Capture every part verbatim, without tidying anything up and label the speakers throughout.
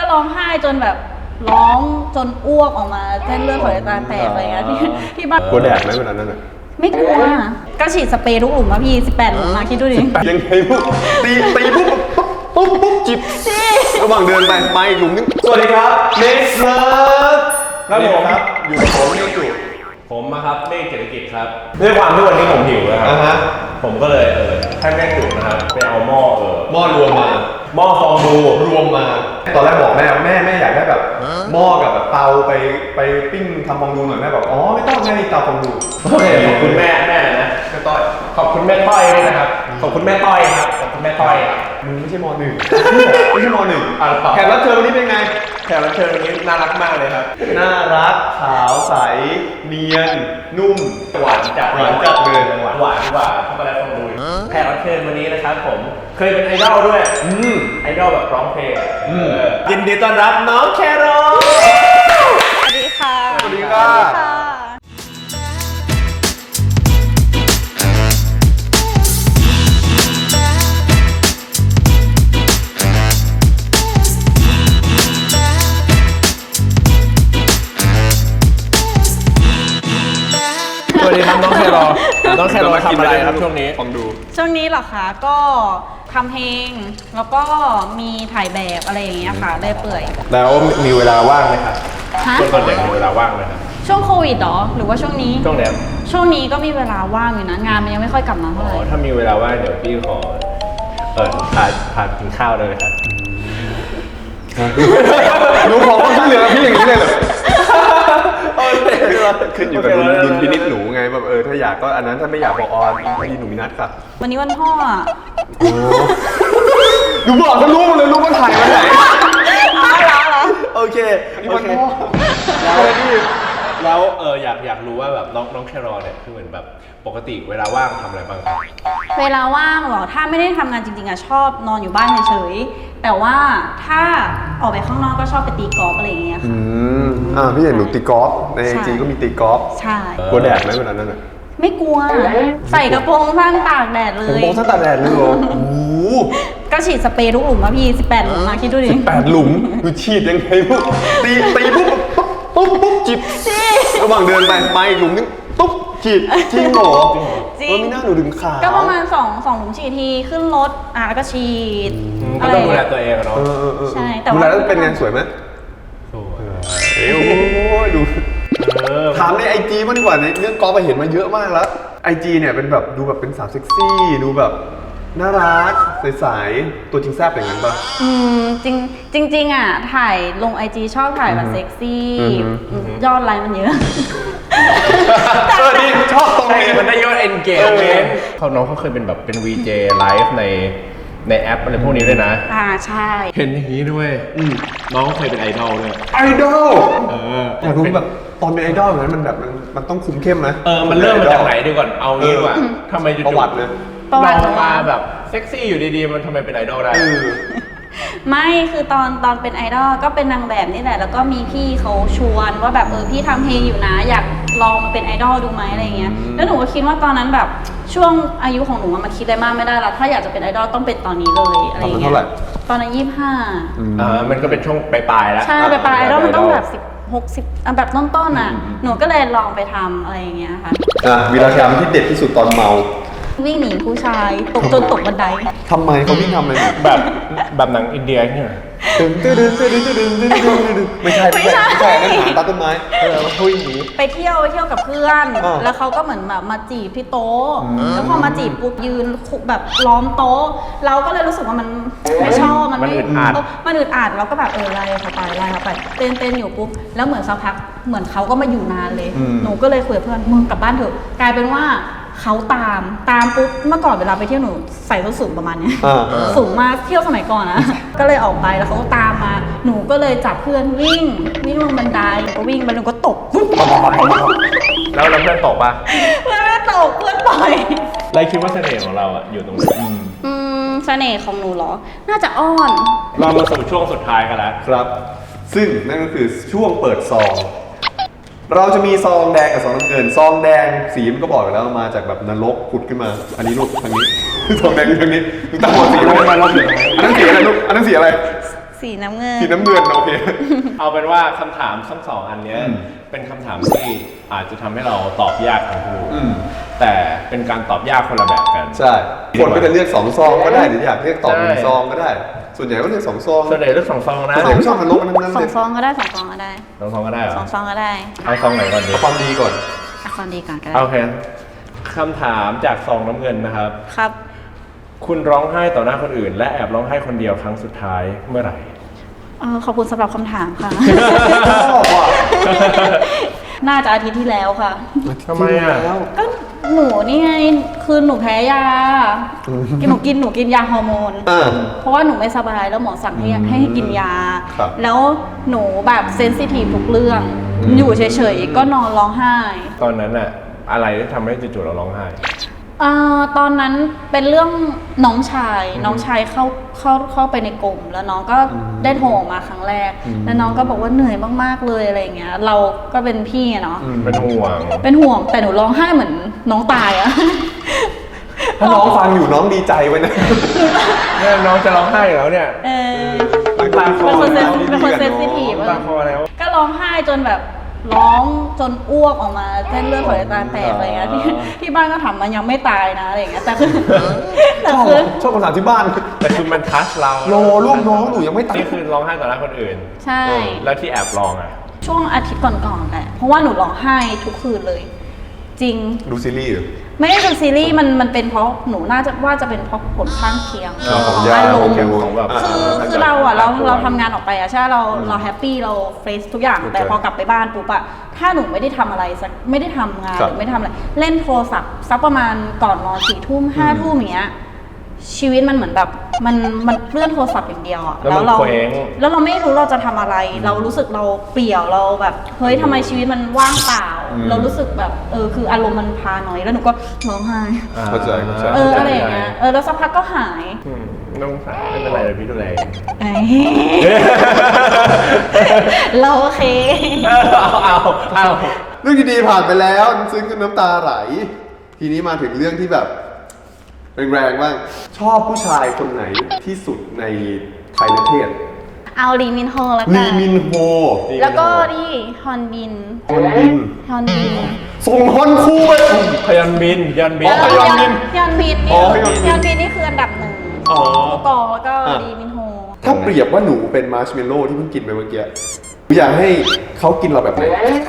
Speaker 1: ร้องไห้จนแบบร้องจนอ้วกออกมาเส้นเลือดฝอยในตาแตกอะไรเงี้ยที่ที่บ้าน
Speaker 2: กลัวแดดไหมเวลานั้นอ่ะ
Speaker 1: ไม่กลัวก็ฉีดสเปรย์ทุกหลุมมาพี่สิบแปดหลุมมาคิดดูดิ
Speaker 2: ยังไงปุ๊บตีตีปุ๊บปุ๊บปุ๊บจิบระหว่างเดินไปไปหลุมนึงสวัสดีครับเนสเลิฟครับผมครับอยู่กับผมนี่จุ
Speaker 3: ผมนะครับเมฆเศรษฐกิจครับด้วยความที่วันนี้ผมหิวนะครับผมก็เลยเออให้แม่จุนะครับไปเอาหม้อเออ
Speaker 2: หม้อรวมมา
Speaker 3: หม้อฟองดู
Speaker 2: รวมมาตอนแรกบอกแม่แม่แม่อยากได้แบบหม้อกับแบบเตาไปไปปิ้งทำฟองดูหน่อยแม่บอกอ๋อไม่ต้องแม่มีเตาฟองดู
Speaker 3: โอเคขอบคุณแม่แม่นะแม่ต้อยขอบคุณแม่ต้อยด้วยนะครับขอบคุณแม่ต้อยครับขอบคุณแม่ต้อย
Speaker 2: มึงไม่ใช่ม.หนึ่งไม่ใช่ม.หนึ่งแขกรับเชิญวันนี้เป็นไง
Speaker 3: แขกรับเชิญวันนี้น่ารักมากเลยครับ
Speaker 2: น่ารักขาวใสเนียนนุ่ม
Speaker 3: หวานจัด
Speaker 2: หวานจัดเลย
Speaker 3: หวานหวานกว่าช็อกโกแลตฟองดูแขกรับเชิญวันนี้นะครับผมเคยเป็นไอดอลด้วยไอดอลแบบร้องเพลงยินดีต้อนรับน้องแคโร
Speaker 1: สวัสดีค่ะ
Speaker 2: สวัสดีค่ะ
Speaker 3: สวัสดีครับน้องแคโรน้องแคโรทำอะไรครับช่วงนี้
Speaker 2: ฟังดู
Speaker 1: ช่วงนี้เหรอคะก็ทำเพลงแล้วก็มีถ่ายแบบอะไรอย่างเงี้ยค่ะได้เปื่อย
Speaker 3: แล้วมีเวลาว่างไหมครับช่วงตอนเด็กมีเวลาว่างไหมครับ
Speaker 1: ช่วงโควิดหรอหรือว่าช่วงนี้
Speaker 3: ช่วงเนี้ย
Speaker 1: ช่วงนี้ก็มีเวลาว่างอยู่นะงานมันยังไม่ค่อยกลับมาเท่าไหร่
Speaker 3: ถ้ามีเวลาว่างเดี๋ยวพี่ขอเปิดพาพากินข้าวได้ไหมครับ
Speaker 2: หนูขอความช่วยเหลือพี่อย่างนี้เลยเหรอขึ้นอยู่กับดุลพินิจหนูไงแบบเออถ้าอยากก็อันนั้นถ้าไม่อยากบอกออนพี่หนูมีนัดค่ะ
Speaker 1: วันนี้วันพ่ออ่ะ
Speaker 2: โอ้หนูบอกเขารู้เลยรู้ว่าถ่ายวันไหน
Speaker 1: อ๋อเหรอเหรอ
Speaker 2: โอเคโอเค
Speaker 3: แล้วแล้วเอออยากอยากรู้ว่าแบบน้องน้องแครอเนี่ยคือเหมือนแบบปกติเวลาว่างทำอะไรบ้างครับ
Speaker 1: เวลาว่างเหรอถ้าไม่ได้ทำงานจริงๆอะชอบนอนอยู่บ้านเฉยๆแต่ว่าถ้าออกไปข้างนอกก็ชอบไปตีกอล์ฟอะไรอย่างเงี้ย
Speaker 2: อืมอ่าพี่เห็นหนูตีกอล์ฟในไอจีก็มีตีกอล์ฟ
Speaker 1: ใช่
Speaker 2: กลัวแดดไหมเวลานั้นอ่ะ
Speaker 1: ไม่กลัวใส่กระโปรงสั้นตากแดดเลย
Speaker 2: กระโปรงสั้นตากแดดเลยเหรอโอ้โห
Speaker 1: ก็ฉีดสเปรย์ทุกหลุมมาพี่สิบแปดหลุมมาคิดดูดิ
Speaker 2: สิบแปดหลุมคือฉีดยังไงปุ๊บตีตีปุ๊บปุ๊บปุ๊บจิบระหว่างเดินไปไปหลุมนึงปุ๊บฉีดจริงเหรอจริงไม่น่าหนูถึงขา
Speaker 1: ก็ประมาณสองสองหลุมฉีดทีขึ้นรถอ่ะแล้วก็ฉีด
Speaker 3: ก็ต้องดูแลตัวเองเนาะ
Speaker 1: ใช่แต่
Speaker 2: ดูแลแล้วเป็นไงสวยไหม
Speaker 3: สวย
Speaker 2: เอ้ยดูถามในไอจีมากดีกว่าในเรื่องกอล์ฟไปเห็นมาเยอะมากแล้วไอจีเนี่ยเป็นแบบดูแบบเป็นสาวเซ็กซี่ดูแบบน่ารักใสๆตัวจริงแซ่บอย่างนั้นปะ
Speaker 1: อืมจริงจริงจริงอ่ะถ่ายลงไอจีชอบถ่ายแบบเซ็กซี่ยอดไลค์มันเยอะ
Speaker 2: เออนี่ชอบตรงนี้
Speaker 3: มันได้ยอด engagement เขาน้องเขาเคยเป็นแบบเป็น วี เจ ไลฟ์ในในแอปอะไรพวกนี้ด้วยนะ
Speaker 1: อ่าใช่
Speaker 3: เห็นอย่างนี้ด้วยน้องเคยเป็นไอดอลด้วย
Speaker 2: ไอดอลเอออยากรู้แบบตอนเป็นไอดอลแบบนั้นมันแบบมันมันต้องคุมเข้มไหม
Speaker 3: เออมันเริ่มมาจากไหนดีก่อนเอางี้ดีกว่าทำไมจุด
Speaker 2: ประวัติเลย
Speaker 3: เรามาแบบเซ็กซี่อยู่ดีๆมันทำไมเป็นไอดอลได้
Speaker 1: ไม่คือตอนตอนเป็นไอดอลก็เป็นนางแบบนี่แหละแล้วก็มีพี่เขาชวนว่าแบบเออพี่ทำเพลงอยู่นะอยากลองมาเป็นไอดอลดูไหมอะไรเงี้ยแล้วหนูก็คิดว่าตอนนั้นแบบช่วงอายุของหนูมันคิดอะไรมากไม่ได้แล้วถ้าอยากจะเป็นไอดอลต้องเป็นตอนนี้เลยอะไรเงี้ยตอนนั้นยี่สิบห้า
Speaker 3: อ่ามันก็เป็นช่วงปลายๆแล้ว
Speaker 1: ใช่ปลายๆไอดอลมันต้องแบบสิบหกสิบแบบต้นๆอ่ะหนูก็เลยลองไปทำอะไรอย่างเงี้ยค่ะ
Speaker 2: อ่ะวีรกรรมที่เด็ดที่สุดตอนเมา
Speaker 1: วิ่งหนีผู้ชายตกจนตกบันได
Speaker 2: ทำไมเขาวิ่งทำอะไร
Speaker 3: แบบแบบหนังอินเดียเนี่ย
Speaker 2: ตึงตึงตึงตึงตึงตึงตึงตึงไม่ใช่ไม่ใช่ไม่ใช่นั่นหาตาต้นไม้เออเขาวิ่งหนี
Speaker 1: ไปเที่ยวไปเที่ยวกับเพื่อนแล้วเขาก็เหมือนแบบมาจีบที่โต๊ะแล้วพอมาจีบปุ๊บยืนแบบล้อมโต๊ะเราก็เลยรู้สึกว่ามันไม่ชอบมันไม่มันอึดอัดเราก็แบบเออไล่เขาไปไล่เขาไปเต้นเต้นอยู่ปุ๊บแล้วเหมือนสักพักเหมือนเขาก็มาอยู่นานเลยหนูก็เลยคุยกับเพื่อนมึงกลับบ้านเถอะกลายเป็นว่าเขาตามตามปุ๊บเมื่อก่อนเวลาไปเที่ยวหนูใส่ส้นสูงประมาณนี้สูงมากเที่ยวสมัยก่อนนะก็เลยออกไปแล้วเขาก็ตามมาหนูก็เลยจับเพื่อนวิ่งวิ่งลงบันไดก็วิ่งไปหนูก็ตก
Speaker 3: แล้วแล้วเพื่อนตกปะ
Speaker 1: เพื่อนไม่ตกเพื่อนปล่อย
Speaker 3: ไรคิดว่าเสน่ห์ของเราอะอยู่ตรงไหน
Speaker 1: อืมเสน่ห์ของหนูเหรอน่าจะอ้อน
Speaker 3: เรามาสู่ช่วงสุดท้ายกันแล้ว
Speaker 2: ครับซึ่งนั่นก็คือช่วงเปิดซองเราจะมีซองแดงกับซองน้ำเงินซองแดงสีมันก็บอกอยู่แล้วมาจากแบบนรกผุดขึ้นมาอันนี้ลูกทางนี้ซองแดงทางนี้ตั้งหัวสีอะไรมาลบอันนั้นสีอะไรลูกอันนั้นสีอะไร
Speaker 1: สีน้ำเงิน
Speaker 2: สีน้ำเงินโอเค
Speaker 3: เอาเป็นว่าคำถามทั้งสองอันเนี้ย
Speaker 2: อืม
Speaker 3: เป็นคำถามที่อาจจะทำให้เราตอบยากทั้งคู่
Speaker 2: อืม
Speaker 3: แต่เป็นการตอบยากคนละแบบกัน
Speaker 2: ใช่ คนก็จะเลือกสองซองก็ได้หรืออยากเลือกตอบหนึ่ง
Speaker 3: ใช่
Speaker 2: ซองก็ได้ ส่วนใหญ่ก็เลือกสองซอง
Speaker 3: ส่วนใหญ่เลือกสองซองนะ
Speaker 2: ส่วนใหญ่ก็ชอบมันลบมันทั้งนั้น
Speaker 1: สอ
Speaker 2: เล
Speaker 1: ง
Speaker 2: ย
Speaker 1: ซองก็ได้สองซองก็ได้
Speaker 3: สองซองก็ได้เหรอ
Speaker 1: สองซองก็ได้
Speaker 3: เอาซองไหนก่อนดี
Speaker 2: เอาความดีก่อน
Speaker 1: เอาความดีก่อนก็ได้
Speaker 3: โอเคคำถามจากซองน้ำเงินนะครับ
Speaker 1: ครับ
Speaker 3: คุณร้องไห้ต่อหน้าคนอื่น และแอบร้องไห้คนเดียวครั้งสุดท้ายเมื่อไหร่
Speaker 1: เออขอบคุณสำหรับคำถามค่ะ
Speaker 2: ชอบว่ะ
Speaker 1: น่าจะอาทิตย์ที่แล้วค่ะ
Speaker 3: ทำไมอ่ะ
Speaker 1: ก็หนูนี่ไงคือหนูแพ้ยากินหนูกินหนูกินยาฮอร์โมน
Speaker 2: อ่า
Speaker 1: เพราะว่าหนูไม่สบายแล้วหมอสั่งให้
Speaker 2: อืม
Speaker 1: ให้กินยา
Speaker 2: ครับ
Speaker 1: แล้วหนูแบบเซนซิทีฟทุกเรื่อง อยู่เฉยๆก็นอนร้องไห้
Speaker 3: ตอนนั้นอะอะไรที่ทำให้จู่ๆเราร้องไห้
Speaker 1: เอ่อตอนนั้นเป็นเรื่องน้องชาย น้องชายเข้าเข้าเข้าไปในกลุ่มแล้วน้องก็ได้โทรมาครั้งแรก แล้วน้องก็บอกว่าเหนื่อยมากๆเลยอะไรอย่างเงี้ย เราก็เป็นพี่อะเนาะ
Speaker 3: เป็นห่วง
Speaker 1: เป็นห่วงแต่หนูร้องไห้เหมือนน้องตายอะ
Speaker 2: ถ้าน้องฟังอยู่น้องดีใจไว้นะ
Speaker 3: เนี่ยน้องจะร้องไห้แล้วเนี่ย
Speaker 1: เออ
Speaker 2: เป็นตาคอ
Speaker 1: เป็นคนเซน
Speaker 2: แล้ว
Speaker 1: เป็นคนเซนซิทีฟ
Speaker 3: ตาคอแล้ว
Speaker 1: ก็ร้องไห้จนแบบร้องจนอ้วกออกมาเส้นเลือดฝอยในตาแตกอะไรเงี้ยที่ที่บ้านก็ถามมันยังไม่ตายนะอะไรอย่างเงี้ยแต่คือแต่
Speaker 2: ชอบ
Speaker 1: คือ
Speaker 2: ชอบภาษาที่บ้าน
Speaker 3: แต่คือมันทัชเรา
Speaker 2: โลลูกน้องหนูยังไม่ตาย
Speaker 3: นี่คือร้องไห้ต่อหน้าคนอื่น
Speaker 1: ใช่
Speaker 3: แล้วที่แอบร้องอ่ะ
Speaker 1: ช่วงอาทิตย์ก่อนๆแหละเพราะว่าหนูร้องไห้ทุกคืนเลย จริง
Speaker 2: ดูซีรีส์เหรอ
Speaker 1: ไม่ได้ดูซีรีส์มันมันเป็นเพราะหนูน่าจะว่าจะเป็นเพราะผลข้างเคียง
Speaker 2: อ๋อของยา
Speaker 1: อาร
Speaker 2: โอ
Speaker 1: มณ์
Speaker 2: เค
Speaker 3: ของแบบ
Speaker 1: คือคือเราอะเราเราทำงานออกไปอะใช่ไหมเราเราแฮปปี้เราเฟรชทุกอย่าง
Speaker 2: เข้าใจ
Speaker 1: แต่พอกลับไปบ้านปุ๊บอะถ้าหนูไม่ได้ทำอะไรสักไม่ได้ทำงาน
Speaker 2: ครั
Speaker 1: ห
Speaker 2: บ
Speaker 1: รือไม่ได้ทำอะไรเล่นโทรศัพท์สักประมาณก่อนนอนสี่ทุ่มห้าทุ่มอย่างเงี้ยชีวิตมันเหมือนแบบมันมันเลื่อนโทรศัพท์อย่างเดียวอะ
Speaker 3: แล้วมัน
Speaker 1: เรา
Speaker 3: เคว้ง
Speaker 1: แล้วเราไม่รู้เราจะทำอะไร เรารู้สึกเราเปลี่ยวเราแบบเฮ้ยทำไมชีวิตมันว่างเปล่า เรารู้สึกแบบเออคืออารมณ์มันพาหน่อยแล้วหนูก็ร้องไห้
Speaker 2: เข้าใจเข้าใจ
Speaker 1: เอออะไรอย่างเงี้ยเออแล้วสักพักก็หาย
Speaker 3: อืมน้องสาวไม่เป็นไรเลยพี่ดูแล
Speaker 1: เอ้ยเราโอเค
Speaker 3: เอาเอาเอา
Speaker 2: เรื่องดีๆผ่านไปแล้วซึ้งจนน้ำตาไหล ทีนี้มาถึงเรื่องที่แบบแรงๆบ้างชอบผู้ชายคนไหนที่สุดในไทยประเทศ
Speaker 1: เอาลีมินโฮแล้ว
Speaker 2: ลี
Speaker 1: กัน
Speaker 2: มินโฮ
Speaker 1: แล้วก็นี่ฮอนบิน
Speaker 2: ฮอนบิน
Speaker 1: ฮอนบิน
Speaker 2: ส่งฮอนคู่ไป
Speaker 3: พยันบินยันบิน
Speaker 2: อ๋อ ฮยอนบิน
Speaker 1: ยอนบิน
Speaker 2: อ๋
Speaker 1: นี่
Speaker 2: อฮยอนบิน
Speaker 1: ยอนบินนี่คืออันดับหนึ่ง
Speaker 2: อ๋อ
Speaker 1: ผู้กองแล้วก็
Speaker 2: อ่ะ
Speaker 1: ลีมินโฮ
Speaker 2: ถ้าเปรียบว่าหนูเป็นมาร์ชเมลโล่ที่เพิ่งกินไปเมื่อกี้อยากให้เขากินเราแบบไหน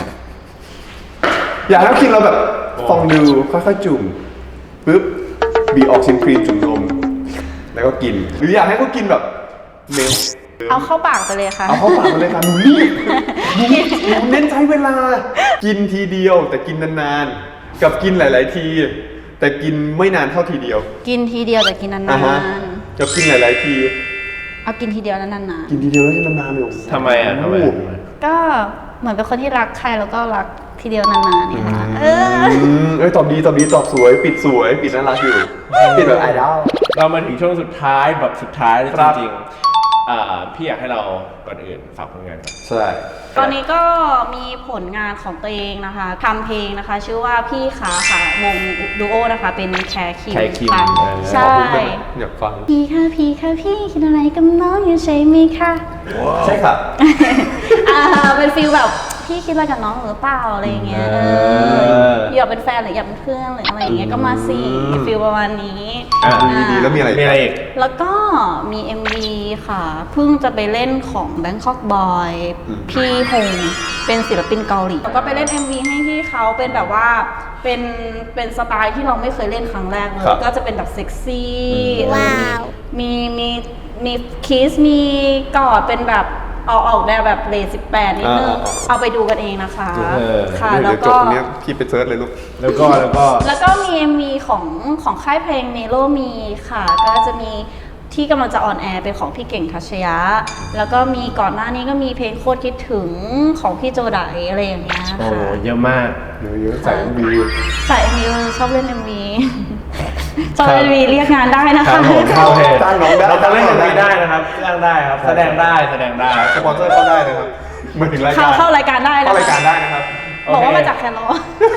Speaker 2: อยากให้เขากินเราแบบฟองดูค่อยๆจุ่มปึ๊บบีออกชิมครีมจุ่มนมแล้วก็กิน หรืออยากให้เขากินแบบเมล
Speaker 1: เอาเข้าปากไปเลยค่ะ
Speaker 2: เอาเข้าปากมาเลยค่ะหนูรีบหนูหนูเน้นใช้เวลา กินทีเดียวแต่กินนานๆ กับกินหลาย ๆ ที แต่กินไม่นานเท่าทีเดียว
Speaker 1: กินทีเดียวแต่กินนา
Speaker 2: อ่ะฮะ
Speaker 1: น
Speaker 2: กับกินหลาย ๆ ที
Speaker 1: ๆเอากินทีเดียวแล้วนาน
Speaker 2: กินทีเดียวแล้วกินนานๆเลยโอ้โห
Speaker 3: ทำไมอ่ะทำไมทำไม
Speaker 1: ๆก็เหมือนเป็นคนที่รักใครแล้วก็รักทีเดียวนานๆนี่ค่ะเออ
Speaker 2: อืมเอ้ยตอบดีตอบดีตอบสวย ปิดสวย ปิดน่ารักอยู่ ปิดแบบไอดอล
Speaker 3: เรามาถึงช่วงสุดท้ายแบบสุดท้ายเลย
Speaker 2: ค
Speaker 3: จ
Speaker 2: รับ
Speaker 3: ริงๆอ่าพี่อยากให้เราก่อนอื่นฝากผลงานก่อน
Speaker 2: ใช่
Speaker 1: ตอนนี้ก็มีผลงานของตัวเองนะคะทำเพลงนะคะ ชื่อว่าพี่ขาค่ะวงดูโอนะคะ เป็นแคร์คิม
Speaker 3: แคร์คิม
Speaker 1: ค่ะ
Speaker 3: เออ
Speaker 1: ใช่
Speaker 2: ขอบคุณได้ไหมอยากฟัง
Speaker 1: พี่ค่ะพี่ค่ะพี่คิดอะไรกับน้องอยู่ใช่ไหมคะ
Speaker 2: ใช่ค่ะ
Speaker 1: อ่าเป็นฟิลแบบพี่คิดอะไรกับน้องหรือเปล่าอะไรอย่างเงี้ยเอออยากเป็นแฟนหรืออยากเป็นเพื่อนหรืออะไรอย่างเงี้ยก็มาสิฟิลประมาณนี้
Speaker 3: อ่ะ
Speaker 1: อ่า
Speaker 2: ดีๆแล้วมีอะไร
Speaker 3: มีอะไรอีก
Speaker 1: แล้วก็มี เอ็ม วี ค่ะเพิ่งจะไปเล่นของ Bangkok Boy
Speaker 2: อืม
Speaker 1: พี่ฮงเป็นศิลปินเกาหลีแล้วก็ไปเล่น เอ็ม วี ให้พี่เขาเป็นแบบว่าเป็นเป็นสไตล์ที่เราไม่เคยเล่นครั้งแรกเลย
Speaker 2: ครับ
Speaker 1: ก็จะเป็นแบบเซ็กซี่
Speaker 2: ว้าว
Speaker 1: มีมีมีคิสมีกอดเป็นแบบออกออกแนวแบบเลสิบแปดนิดนึง
Speaker 2: อ่าอ่าอ่า
Speaker 1: เอาไปดูกันเองนะคะ
Speaker 3: เออ
Speaker 1: ค่ะ
Speaker 2: เดี๋ยว
Speaker 1: แล้ว
Speaker 2: เดี๋ยวจบ
Speaker 1: ก็
Speaker 2: ตรงเนี้ยพี่ไปเซิร์ชเลยลูก
Speaker 3: แล้วก็แล้วก็
Speaker 1: แล้วก็มี เอ็ม วี ของของค่ายเพลงเมโลมีค่ะ ก็จะมีที่กำลังจะออนแอร์เป็นของพี่เก่งทัชยะ แล้วก็มีก่อนหน้านี้ก็มีเพลงโคตรคิดถึงของพี่โจไดอะไรอย่างเงี้ย
Speaker 3: โอ้
Speaker 1: ค่ะ
Speaker 3: เยอะมาก
Speaker 2: เดี๋ยวเยอะใส่บี
Speaker 1: ใส่ เอ็ม วี ชอบเล่น เอ็ม วี ชอบเล่น เอ็ม วี เรียกงานได้นะ
Speaker 3: ครั
Speaker 1: คะ
Speaker 3: บผมโอเค
Speaker 2: จ้างน้องได้
Speaker 3: เราจะเล่นกันไม่ได้นะครับจ้างได้ครับ แสดงได้แสดงได้
Speaker 2: สปอนเซอร์เข้าได้นะครับมาถึงราย
Speaker 1: เข้า
Speaker 2: การ
Speaker 1: เข้ารายการได้นะ
Speaker 2: เข้าราย
Speaker 1: คะ
Speaker 2: การได้นะครับ
Speaker 1: บอกว่ามาจากแคโร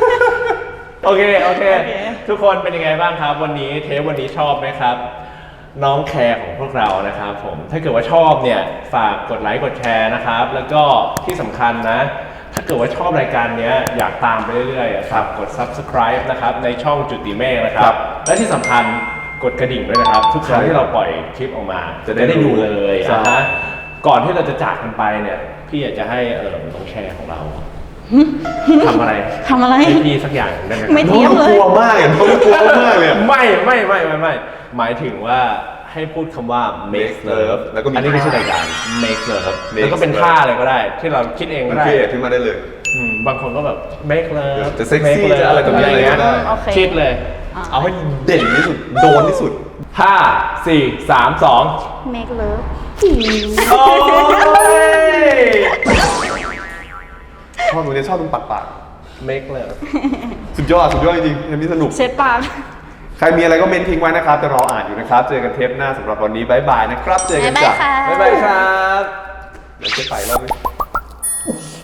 Speaker 3: โอเค โอเค
Speaker 1: โอเค
Speaker 3: ทุกคนเป็นยังไงบ้างครับ วันนี้เทปวันนี้ชอบไหมครับน้องแคร์ของพวกเรานะครับผมถ้าเกิดว่าชอบเนี่ยฝากกดไลค์กดแชร์นะครับแล้วก็ที่สำคัญนะถ้าเกิดว่าชอบรายการนี้อยากตามไปเรื่อยๆอะครับกด ซับสไครบ์ นะครับในช่องจุติเมฆนะครับและที่สำคัญกดกระดิ่งด้วยนะครับทุกครั้งที่เราปล่อยคลิปออกมาจะได้ดูเลยนะฮะก่อนที่เราจะจากกันไปเนี่ยพี่อยากจะให้เออน้องแคร์ของเราทำอะไร
Speaker 1: ทำอะไร
Speaker 3: ให้พี่สักอย่างได้ไหมครับ
Speaker 1: ไม่เทียบเลย
Speaker 2: กลัวมากเลยน้องกลัวมากเลยอะ
Speaker 3: ไม่ไม่ไม่ไม่ไม่หมายถึงว่าให้พูดคำว่า make love
Speaker 2: แล้วก็มี
Speaker 3: อันนี้ไม่ใช่
Speaker 2: ท่า
Speaker 3: รายการ make love
Speaker 2: make
Speaker 3: แล้วก็เป็น
Speaker 2: love
Speaker 3: ท่าอะไรก็ได้ ที่เราคิดเอง
Speaker 2: มั
Speaker 3: ก็
Speaker 2: น
Speaker 3: ได้
Speaker 2: เครียดขึ้นมาได้เลย
Speaker 3: อืมบางคนก็แบบ make love
Speaker 2: จะเซ็กซี่
Speaker 3: make love
Speaker 2: จะอะไรแบบนี้
Speaker 3: เงี้ย
Speaker 2: ก็ได้
Speaker 1: โอเค
Speaker 3: คิดเลย
Speaker 2: เอาให้เด่นที่สุดโดนที่สุด
Speaker 3: ห้าสี่สามสอง
Speaker 1: make love
Speaker 3: โอ้ย
Speaker 2: ชอบตรงนี้ชอบตรงปากปาก
Speaker 3: make love
Speaker 2: สุดยอดสุดยอดจริงๆเทปนี้สนุก
Speaker 1: เช็ดปาก
Speaker 2: ใครมีอะไรก็เมนทิ้งไว้นะครับจะรออ่านอยู่นะครับ เจอกันเทปหน้าสำหรับวันนี้บายบายนะครับ เจอกันจ้ะ
Speaker 1: บ๊ายบายค่ะ
Speaker 2: บ๊ายบายครับ เดี๋ยวจะไปรอบนึง